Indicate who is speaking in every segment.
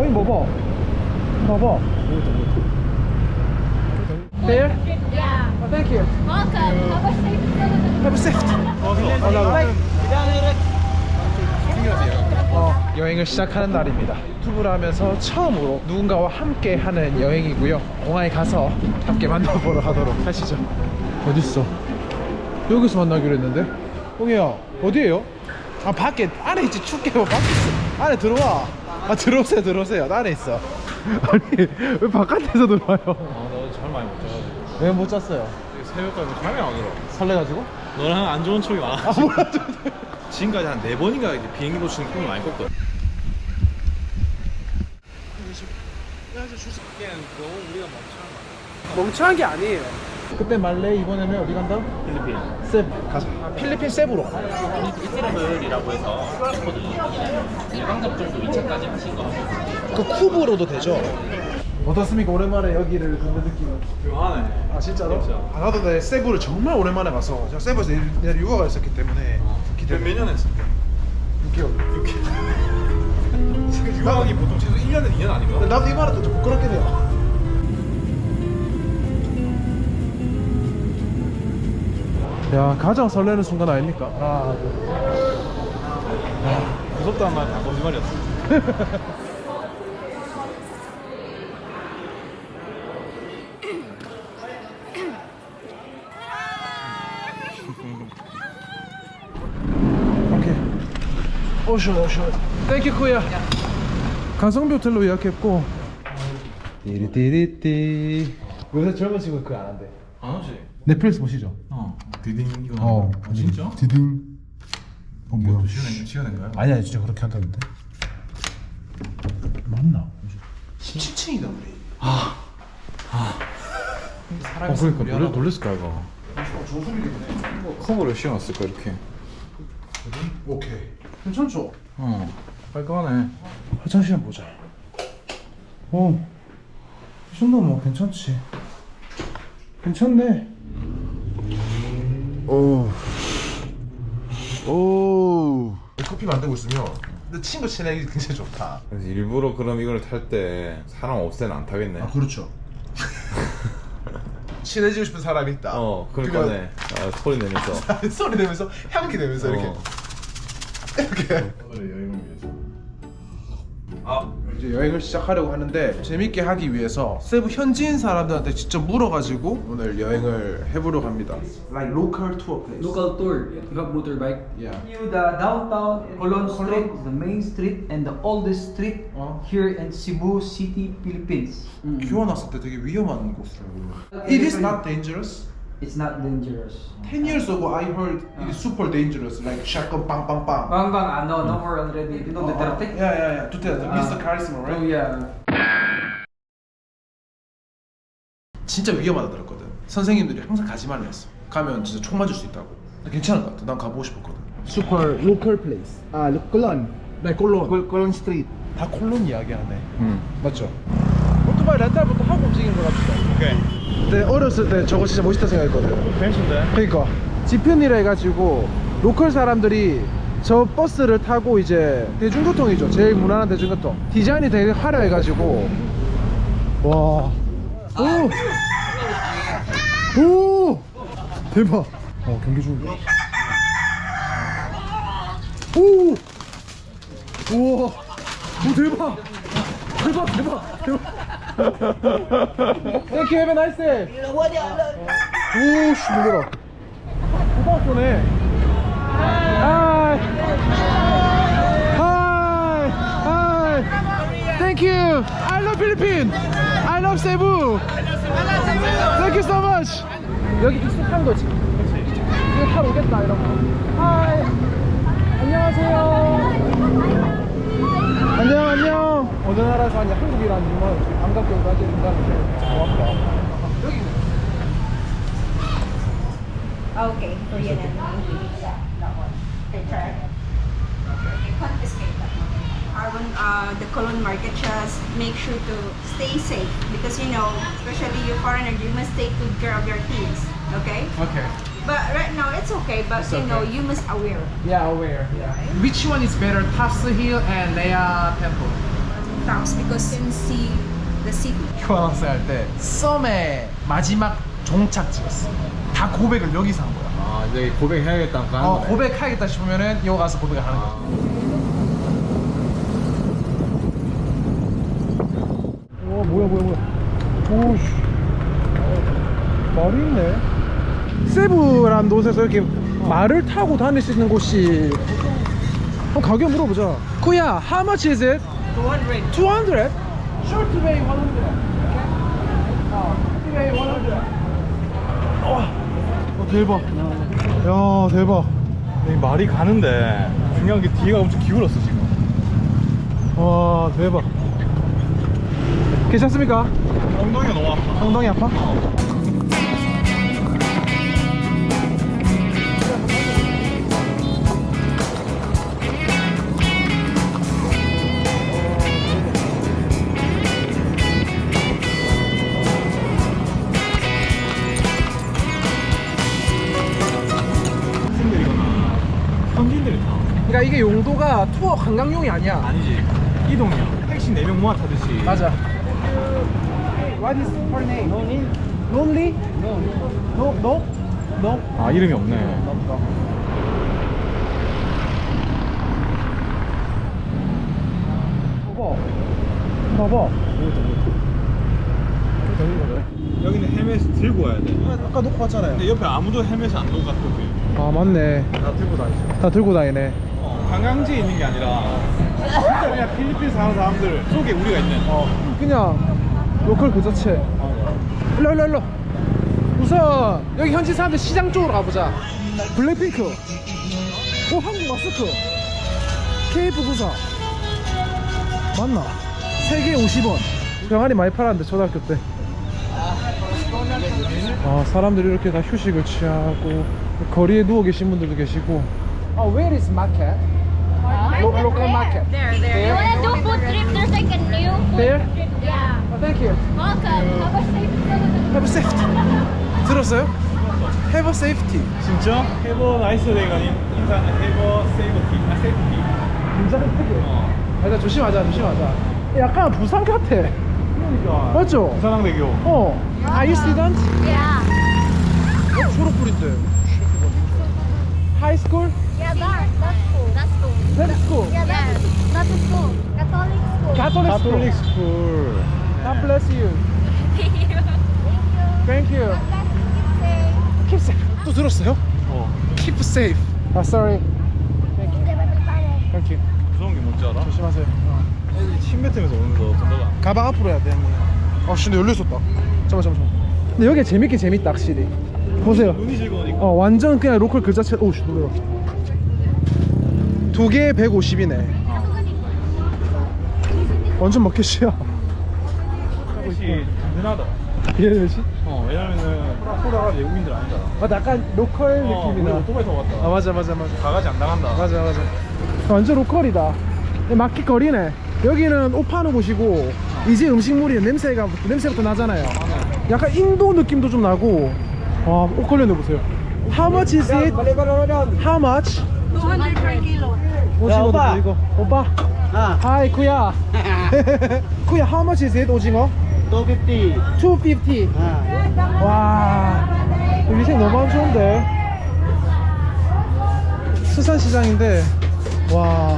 Speaker 1: 형님 봐봐. 봐봐. There?
Speaker 2: Yeah.
Speaker 1: Oh, thank you.
Speaker 2: Welcome. Have a safe
Speaker 1: Have a seat. 여행을 시작하는 날입니다. 유튜브를 하면서 처음으로 누군가와 함께 하는 여행이고요. 공항에 가서 함께 만나보러 가도록 하시죠. 어딨어? 여기서 만나기로 했는데. 홍이야 어디에요? 아 밖에 안에 있지. 춥게 뭐 밖에 있어. 안에 들어와. 아 들어오세요 들어오세요. 나 안에 있어. 아니 왜 바깥에서 들어와요?
Speaker 3: 너 잠 많이 못 자가지고
Speaker 1: 왜 못 잤어요?
Speaker 3: 새벽까지 잠이 안 들어.
Speaker 1: 설레가지고?
Speaker 3: 너랑 안 좋은 척이 많아.
Speaker 1: 아 뭐야.
Speaker 3: 지금까지 한 4번인가 이제 비행기 놓치는 꿈을 많이 꿨거든. 너무 우리가 멈추는 거야.
Speaker 1: 멍청한 게 아니에요. 그때 말레 이번에는 어디 간다?
Speaker 3: 필리핀.
Speaker 1: 세부 가자. 필리핀 세부로.
Speaker 4: 이트래블이라고 해서 코드 일방 접종도 2차까지 하신 거 같아요.
Speaker 1: 그 쿠브로도 되죠? 어떻습니까? 오랜만에 여기를 걷는 느낌은.
Speaker 3: 묘하네.
Speaker 1: 아 진짜로?
Speaker 3: 진짜.
Speaker 1: 아 나도 내 세부를 정말 오랜만에 가서 제가 세부에서 내가 유학을 했었기 때문에
Speaker 3: 몇년 했어?
Speaker 1: 6개월.
Speaker 3: 6개월. 유학이 보통 최소 1년에 2년 아닌가?
Speaker 1: 나도 이 말은 좀 부끄럽긴 해요. 야 가장 설레는 순간 아닙니까? 아,
Speaker 3: 무섭다는 말 다 거짓말이었어.
Speaker 1: 오케이. 오션. 땡큐 쿠야. 가성비 호텔로 예약했고. 띠리띠리띠. 요새 젊은 친구 그거 안 한대.
Speaker 3: 안 하지?
Speaker 1: 넷플릭스 보시죠.
Speaker 3: 디딩 이거. 진짜?
Speaker 1: 디딩. 뭐야?
Speaker 3: 시간인 거야?
Speaker 1: 아니야 진짜 그렇게 한다는데. 맞나? 17층이다 우리.
Speaker 3: 그러니까 놀랬을까 이거.
Speaker 1: 좋은 소리겠네.
Speaker 3: 커버를 씌워놨을까 이렇게.
Speaker 1: 오케이. 괜찮죠?
Speaker 3: 깔끔하네.
Speaker 1: 화장실 한번 보자. 이 정도면 뭐 괜찮지. 괜찮네. 오. 커피 만들고 있으면 근데 친구 친하기 굉장히 좋다.
Speaker 5: 그래서 일부러 그럼 이걸 탈 때 사람 없을 때는 안 타겠네.
Speaker 1: 그렇죠. 친해지고 싶은 사람이 있다.
Speaker 5: 그러니까 네. 소리 내면서
Speaker 1: 소리 내면서 향기 내면서 이렇게
Speaker 3: 오늘 여행을 위해서.
Speaker 1: 이제 여행을 시작하려고 하는데 재밌게 하기 위해서 세부 현지인 사람들한테 직접 물어가지고 오늘 여행을 해보려고 합니다. Like local tour place.
Speaker 6: Local tour. You have motorbike.
Speaker 1: Yeah.
Speaker 6: The downtown Colon Street is the main street and the oldest street here in Cebu City, Philippines.
Speaker 1: 교환 왔을 때 되게 위험한 곳이라고. It is not dangerous.
Speaker 6: It's not dangerous.
Speaker 1: 10 years ago I heard it is super dangerous, like shotgun bang bang bang.
Speaker 6: No more already. You know Duterte?
Speaker 1: Yeah. Duterte, Mr. Charisma, right?
Speaker 6: Oh yeah.
Speaker 1: 진짜 위험하다 들었거든. 선생님들이 항상 가지 말라 했어. 가면 진짜 총 맞을 수 있다고. 괜찮은 것 같아. 난 가보고 싶었거든. Super local place.
Speaker 7: Colon.
Speaker 1: 네, 콜론.
Speaker 7: Colon Street.
Speaker 1: 다 콜론 이야기하네. 맞죠? 오토바이 렌탈부터 하고 움직이는 거 갑시다.
Speaker 3: 오케이.
Speaker 1: 네, 어렸을 때 저거 진짜 멋있다 생각했거든.
Speaker 3: 펜스인데?
Speaker 1: 그러니까 지편이라 해가지고 로컬 사람들이 저 버스를 타고 이제 대중교통이죠. 제일 무난한 대중교통. 디자인이 되게 화려해가지고 와. 오 대박. 경기 중이다. 우와. 대박. Thank you. Have a nice day. 오씨 놀래라. 호박 쏘네. Hi. Thank you. I love Philippines. I love Cebu. Thank you so much. 여기 익숙한 거지. 이거 타러 오겠다 이런 거. Hi. 안녕하세요. 안녕. 어느 나라에서 왔냐? 한국이라는 이유만 감각적으로 가지고 있다는 게 고맙다. 여기
Speaker 2: Okay, Korean and English. That one. Picture. Confiscate that one. The Colon market just make sure to stay safe because especially you foreigner, you must take good care of your kids. Okay?
Speaker 1: Okay.
Speaker 2: But right now it's okay, but
Speaker 1: It's okay.
Speaker 2: you must aware.
Speaker 1: Yeah, aware. Yeah. Which one is better, Tafsa Hill and Lea Temple?
Speaker 2: rooftops because you can see the city.
Speaker 1: 교환학생 할 때 썸의 마지막 종착 찍었어. 다 고백을 여기서 한 거야.
Speaker 3: 아 이제 고백해야겠다 하는 거네.
Speaker 1: 고백하겠다 싶으면은 여기 가서 고백을 하는 거야. 와 뭐야. 오씨. 말이 있네. 세부란 곳에서 이렇게 말을 타고 다닐 수 있는 곳이. 한번 가격 물어보자. 쿠야, how much is it? 200. 200? Short way 100. Okay. Way 100. 대박. 야 대박.
Speaker 3: 이 말이 가는데 중요한 게 뒤가 엄청 기울었어 지금.
Speaker 1: 와 대박. 괜찮습니까?
Speaker 3: 엉덩이가 너무 아파.
Speaker 1: 엉덩이 아파?
Speaker 3: 학생들이거나 현지인들이 타.
Speaker 1: 그러니까 이게 용도가 투어 관광용이 아니야.
Speaker 3: 아니지. 이동이야. 택시 4명 모아 타듯이.
Speaker 1: 맞아. What is her name? Lonely? No?
Speaker 3: 아 이름이 없네.
Speaker 1: 봐봐.
Speaker 3: 여기는 헬멧 들고 와야 돼.
Speaker 1: 아까 놓고 왔잖아요.
Speaker 3: 근데 옆에 아무도 헬멧을 안 들고 갔거든.
Speaker 1: 아 맞네.
Speaker 3: 다 들고 다니죠.
Speaker 1: 다 들고 다니네.
Speaker 3: 관광지에 있는 게 아니라 진짜 그냥 필리핀 사는 사람들 속에 우리가 있는.
Speaker 1: 그냥 로컬 그 자체. 일로. 우선 여기 현지 사람들 시장 쪽으로 가보자. 블랙핑크. 오 한국 마스크. 케이프 부사. 맞나? 3개 50원. 병아리 많이 팔았는데 초등학교 때. 아 사람들이 이렇게 다 휴식을 취하고 거리에 누워 계신 분들도 계시고. Where is market? Local market.
Speaker 7: There. You wanna do food trip? There's like a new food
Speaker 1: There?
Speaker 7: trip. Yeah.
Speaker 1: Thank you.
Speaker 7: Welcome. Have a safe trip.
Speaker 1: Have a safety. 들었어요? Have a safety.
Speaker 3: 진짜? 해버 나이스 데이가 인사는 해버 세이버티. 아 세이프티.
Speaker 1: 굉장히 크게. 일단 조심하자. 약간 부산 같아.
Speaker 3: 그러니까.
Speaker 1: 맞죠?
Speaker 3: 부산항대교.
Speaker 1: Are you student?
Speaker 7: Yeah.
Speaker 1: 졸업불인데. High school?
Speaker 7: Yeah, that's cool. That's cool.
Speaker 1: That's school.
Speaker 7: Yeah, that's a school. Catholic school.
Speaker 1: Catholic school.
Speaker 3: 스쿨.
Speaker 1: God bless you. Thank you.
Speaker 7: Say.
Speaker 1: Keep safe. 또 들었어요? Keep safe. sorry. Thank you.
Speaker 3: 무서운 게 뭔지 알아?
Speaker 1: 조심하세요.
Speaker 3: 애들이 침 뱉으면서 오면서 건너가.
Speaker 1: 가방 앞으로 해야 돼. 근데 열려 있었다. 잠깐만. 근데 여기 재밌다 확실히. 보세요.
Speaker 3: 눈이 즐거우니까.
Speaker 1: 완전 그냥 로컬 그 자체. 오씨 놀래라. 2개에 150이네. 완전 마켓이야.
Speaker 3: 혹시 든든하다.
Speaker 1: 이해되지?
Speaker 3: 왜냐면은 프라포라가 외국인들 아니잖아.
Speaker 1: 맞아, 약간 로컬
Speaker 3: 우리
Speaker 1: 느낌이다.
Speaker 3: 오토바이 타고 왔다.
Speaker 1: 아 맞아.
Speaker 3: 가가지 안 당한다.
Speaker 1: 맞아. 완전 로컬이다. 마켓 거리네. 여기는 옷 파는 곳이고 이제 음식물이 냄새부터 나잖아요. 약간 인도 느낌도 좀 나고. 와, 옷 걸려내 보세요. How much is it? How much?
Speaker 2: 200 per kilo.
Speaker 1: 오징어도 보이고. 오빠. Hi, 쿠야. 쿠야, how much is it? 오징어?
Speaker 6: 250.
Speaker 1: 250. 와, 위생 너무 안 좋은데. 수산시장인데, 와.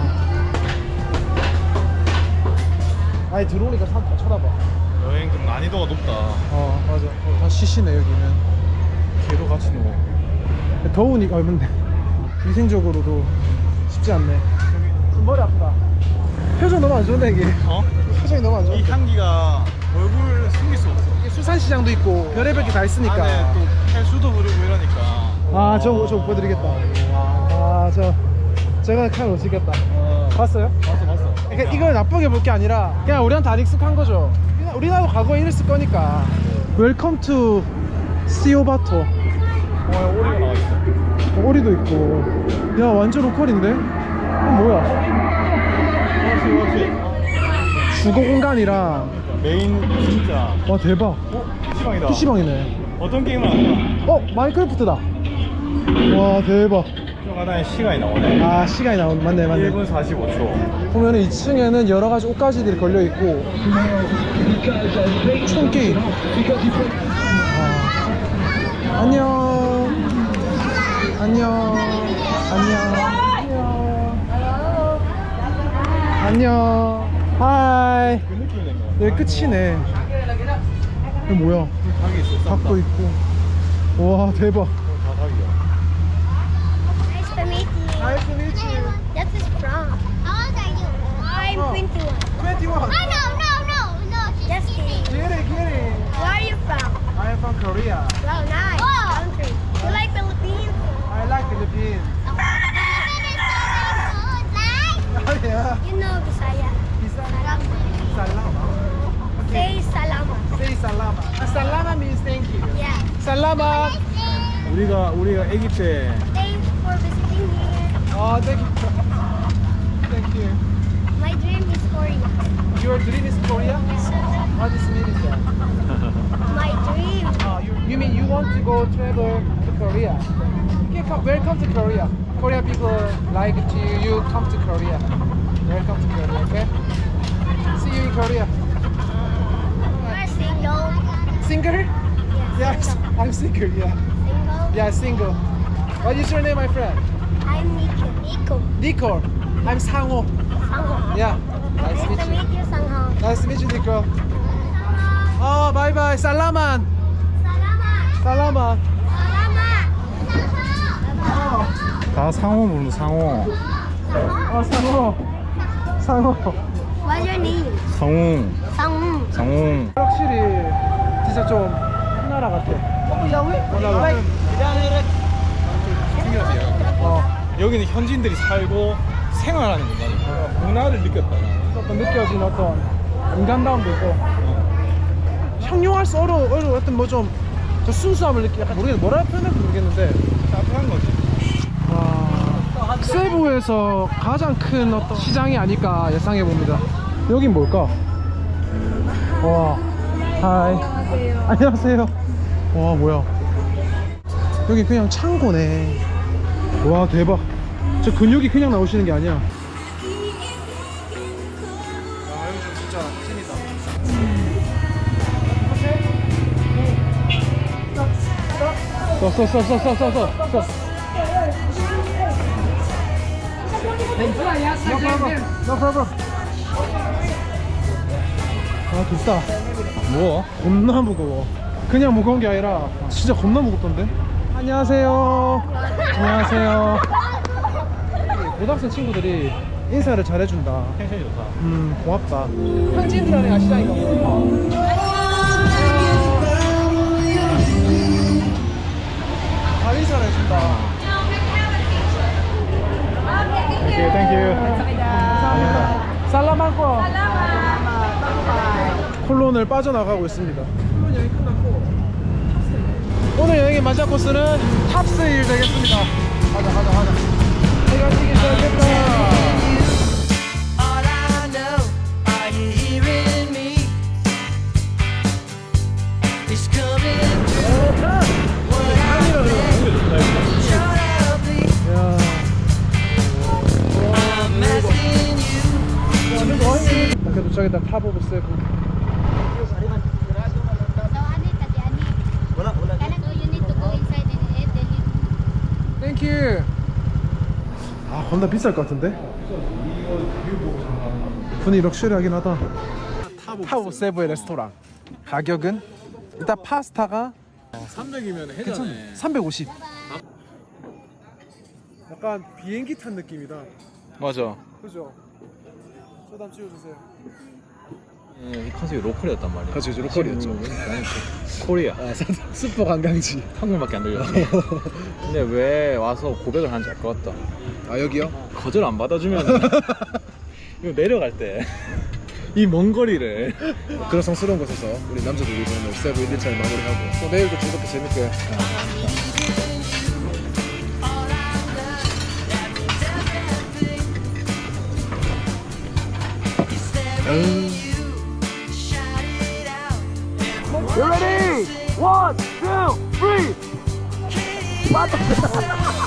Speaker 1: 아니 들어오니까 사람 다 쳐다봐.
Speaker 3: 여행 좀 난이도가 높다.
Speaker 1: 맞아. 다 시시네 여기는.
Speaker 3: 걔도 같이 누워.
Speaker 1: 더우니까 근데 위생적으로도 쉽지 않네. 지금 머리 아프다. 표정 너무 안 좋은데 이게. 표정이 너무 안 좋아.
Speaker 3: 이 향기가 얼굴을 숨길 수 없어.
Speaker 1: 이게 수산시장도 있고 별의별 게 다 있으니까.
Speaker 3: 안에 또 헬수도 흐르고 이러니까.
Speaker 1: 저 보여드리겠다. 제가 칼 못 쓰겠다. 봤어요?
Speaker 3: 봤어.
Speaker 1: 그러니까 이걸 나쁘게 볼 게 아니라 그냥 우리한테 안 익숙한 거죠. 우리나라도 과거에 이랬을 거니까. Welcome to 시오바토.
Speaker 3: 오리가 나와 있어.
Speaker 1: 오리도 있고. 야 완전 로컬인데? 이건 뭐야? 주거 공간이랑.
Speaker 3: 메인 진짜.
Speaker 1: 와 대박.
Speaker 3: PC방이다.
Speaker 1: PC방이네.
Speaker 3: 어떤 게임을 하냐?
Speaker 1: 마인크래프트다. 와 대박.
Speaker 3: 바다에 시간이 나오네.
Speaker 1: 아 시간이 맞네
Speaker 3: 1분 45초.
Speaker 1: 보면은 2층에는 여러 가지 옷가지들이 걸려 있고 총 게임. 안녕. 안녕. 안녕. 하이.
Speaker 3: 그 느낌이 된 거야.
Speaker 1: 여기 끝이네. 이거 뭐야?
Speaker 3: 닭이 있어.
Speaker 1: 닭도 있고. 와 대박.
Speaker 3: 다 닭이야.
Speaker 7: Nice to meet you.
Speaker 1: Nice to meet you.
Speaker 7: That is from. How old are you? I'm 21.
Speaker 1: 21.
Speaker 7: Oh, no. Just kidding.
Speaker 1: Get it.
Speaker 7: Where are you from?
Speaker 1: I am from Korea.
Speaker 7: Well, nice country. You like Philippines?
Speaker 1: I like Philippines. Oh yeah.
Speaker 7: You know Bisaya.
Speaker 1: Salama.
Speaker 7: Say salamat.
Speaker 1: Say salama. Salama means thank you.
Speaker 7: Yeah.
Speaker 1: Salama.
Speaker 3: 우리가 아기 때
Speaker 7: Thanks for visiting here.
Speaker 1: Oh, thank you. Thank you.
Speaker 7: My dream is Korea.
Speaker 1: Your dream is Korea? What is mean is that?
Speaker 7: My dream.
Speaker 1: You mean you want to go travel to Korea? You can come, welcome to Korea. Korean people like to you come to Korea. Welcome to Korea, okay? See you in Korea.
Speaker 7: You're single.
Speaker 1: Single? Yes, I'm single, yeah.
Speaker 7: Single.
Speaker 1: Yeah, single. What is your name, my friend?
Speaker 7: I'm Nico.
Speaker 1: Nico. I'm Sangho.
Speaker 7: Sangho.
Speaker 1: Yeah. Nice
Speaker 7: Nice
Speaker 1: to meet
Speaker 7: to
Speaker 1: you.
Speaker 7: meet you, Sangho.
Speaker 1: Nice to meet you, Nico. Oh, bye bye. Salaman.
Speaker 7: Salamat.
Speaker 1: Salaman.
Speaker 7: Salamat.
Speaker 3: 다 상호 부르는 상호.
Speaker 1: Oh, Sangho. Sangho.
Speaker 7: What's your name?
Speaker 3: 상웅.
Speaker 7: Sangho.
Speaker 3: 상웅.
Speaker 1: 확실히 진짜 좀 나라 같아.
Speaker 3: 여기는 현지인들이 살고 생활하는 공간이야. 문화를 느꼈다.
Speaker 1: 어떤 느껴진 어떤 인간다움도 있고 형용할 수 어려운 어떤 뭐 좀 순수함을 느끼 약간 모르겠는데 뭐라 표현할지 모르겠는데
Speaker 3: 따뜻한 거지.
Speaker 1: 와 세부에서 가장 큰 어떤 시장이 아닐까 예상해 봅니다. 여긴 뭘까? 와 하이 안녕하세요. 와 뭐야 여기 그냥 창고네. 와 대박. 저 근육이 그냥 나오시는 게 아니야. 써. No problem. 아 비싸.
Speaker 3: 뭐?
Speaker 1: 겁나 무거워. 그냥 무거운 게 아니라 진짜 겁나 무겁던데. 안녕하세요. 안녕하세요. 고등학생 친구들이 인사를 잘해준다.
Speaker 3: 텐션이 좋다.
Speaker 1: 고맙다. 현지인들 안에 아시장인가 보다. 다 인사를 해준다.
Speaker 3: 땡큐.
Speaker 1: 감사합니다. 살라만코. 콜론을 빠져나가고 있습니다. 콜론 여행 끝났고 오늘 여행의 마지막 코스는 탑스힐 되겠습니다. 가자. 해가 지기 시작했다.
Speaker 8: All I know, are you hearing me? It's coming through. What I'm short of me.
Speaker 1: 야.
Speaker 8: I'm asking you.
Speaker 1: 이렇게 도착했다. 탑 오브 세븐. 땡큐. 아 겁나 비쌀 것 같은데? 분위기 럭셔리하긴 하다. 탑 오브 세븐의 레스토랑. 가격은 일단 파스타가
Speaker 3: 300이면 해자네.
Speaker 1: 350. 약간 비행기 탄 느낌이다.
Speaker 3: 맞아.
Speaker 1: 그죠? 저도 한번 찍어주세요.
Speaker 3: 이 컨셉이 로컬이었단 말이야.
Speaker 1: 그렇죠, 로컬이었죠.
Speaker 3: 나는 코리아.
Speaker 1: 슈퍼 관광지.
Speaker 3: 한국말밖에 안 들려. 근데 왜 와서 고백을 하는지 알 것 같다.
Speaker 1: 아 여기요?
Speaker 3: 거절 안 받아주면 이거 내려갈 때 이 먼 거리를
Speaker 1: 그런 성스러운 곳에서 우리 남자들이 오늘 세부 1일차를 마무리하고 또 내일도 즐겁게 재밌게 You ready? 1, 2, 3.